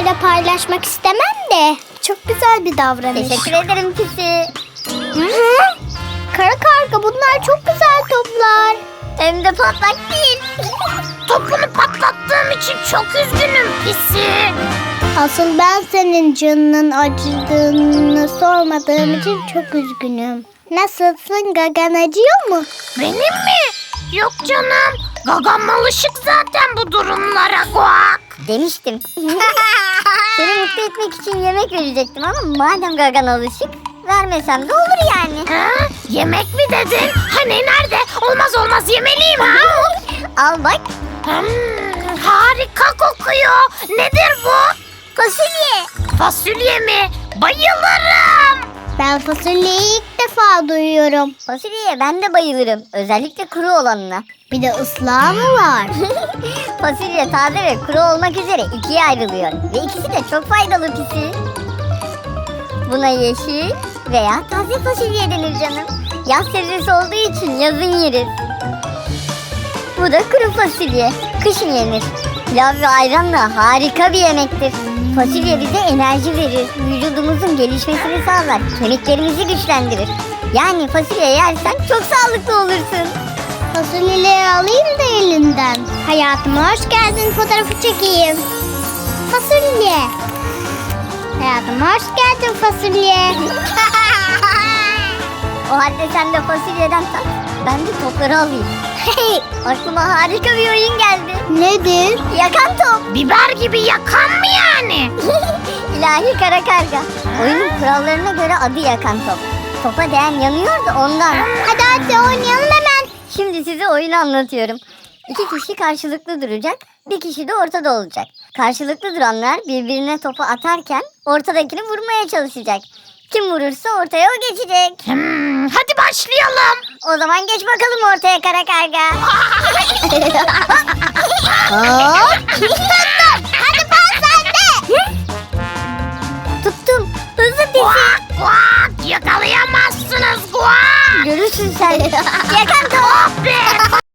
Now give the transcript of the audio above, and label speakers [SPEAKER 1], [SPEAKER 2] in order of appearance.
[SPEAKER 1] kimseyle paylaşmak istemem de. Çok güzel bir davranış.
[SPEAKER 2] Teşekkür ederim Pisi.
[SPEAKER 1] Hı? Kara karga, bunlar çok güzel toplar.
[SPEAKER 2] Hem de patlak değil.
[SPEAKER 3] Topunu patlattığım için çok üzgünüm Pisi.
[SPEAKER 1] Asıl ben senin canının acıdığını sormadığım için çok üzgünüm. Nasılsın, gagan acıyor mu?
[SPEAKER 3] Benim mi? Yok canım. Gagam alışık zaten bu durumlara Guak.
[SPEAKER 2] Demiştim. Seni mutlu etmek için yemek verecektim ama madem gagan alışık, vermesem de olur yani.
[SPEAKER 3] Ha? Yemek mi dedin? Hani nerede? Olmaz yemeliyim ha.
[SPEAKER 2] Al bak.
[SPEAKER 3] Harika kokuyor. Nedir bu?
[SPEAKER 2] Fasulye.
[SPEAKER 3] Fasulye mi? Bayılırım.
[SPEAKER 1] Ben fasulyeyi ilk defa duyuyorum.
[SPEAKER 2] Fasulyeye ben de bayılırım. Özellikle kuru olanına.
[SPEAKER 1] Bir de ıslağı mı var?
[SPEAKER 2] Fasulye taze ve kuru olmak üzere ikiye ayrılıyor. Ve ikisi de çok faydalı Pisi. Buna yeşil veya taze fasulye denir canım. Yaz sebzesi olduğu için yazın yeriz. Bu da kuru fasulye. Kışın yenir. Pilav ve ayranla harika bir yemektir. Fasulye bize enerji verir. Vücudumuzun gelişmesini sağlar. Kemiklerimizi güçlendirir. Yani fasulye yersen çok sağlıklı olursun.
[SPEAKER 1] Fasulyeleri alayım da elinden. Hayatıma hoş geldin, fotoğrafı çekeyim. Fasulye. Hayatıma hoş geldin fasulye.
[SPEAKER 2] O halde sen de fasulyeden tat. Ben de topları alayım. Hey, aklıma harika bir oyun geldi.
[SPEAKER 1] Nedir?
[SPEAKER 2] Yakan top.
[SPEAKER 3] Biber gibi yakan mı yani?
[SPEAKER 2] İlahi kara karga. Oyunun kurallarına göre adı yakan top. Topa değen yanıyor da ondan.
[SPEAKER 1] Hadi oynayalım hemen.
[SPEAKER 2] Şimdi size oyunu anlatıyorum. 2 kişi karşılıklı duracak. Bir kişi de ortada olacak. Karşılıklı duranlar birbirine topu atarken ortadakini vurmaya çalışacak. Kim vurursa ortaya o geçecek.
[SPEAKER 3] Hadi başlayalım.
[SPEAKER 2] O zaman geç bakalım ortaya kara karga.
[SPEAKER 1] Hadi pas sende.
[SPEAKER 2] Tuttum. Hızlı Pisi.
[SPEAKER 3] Guak yakalayamazsınız Guak.
[SPEAKER 2] Görürsün sen. Yakan top.
[SPEAKER 3] Be.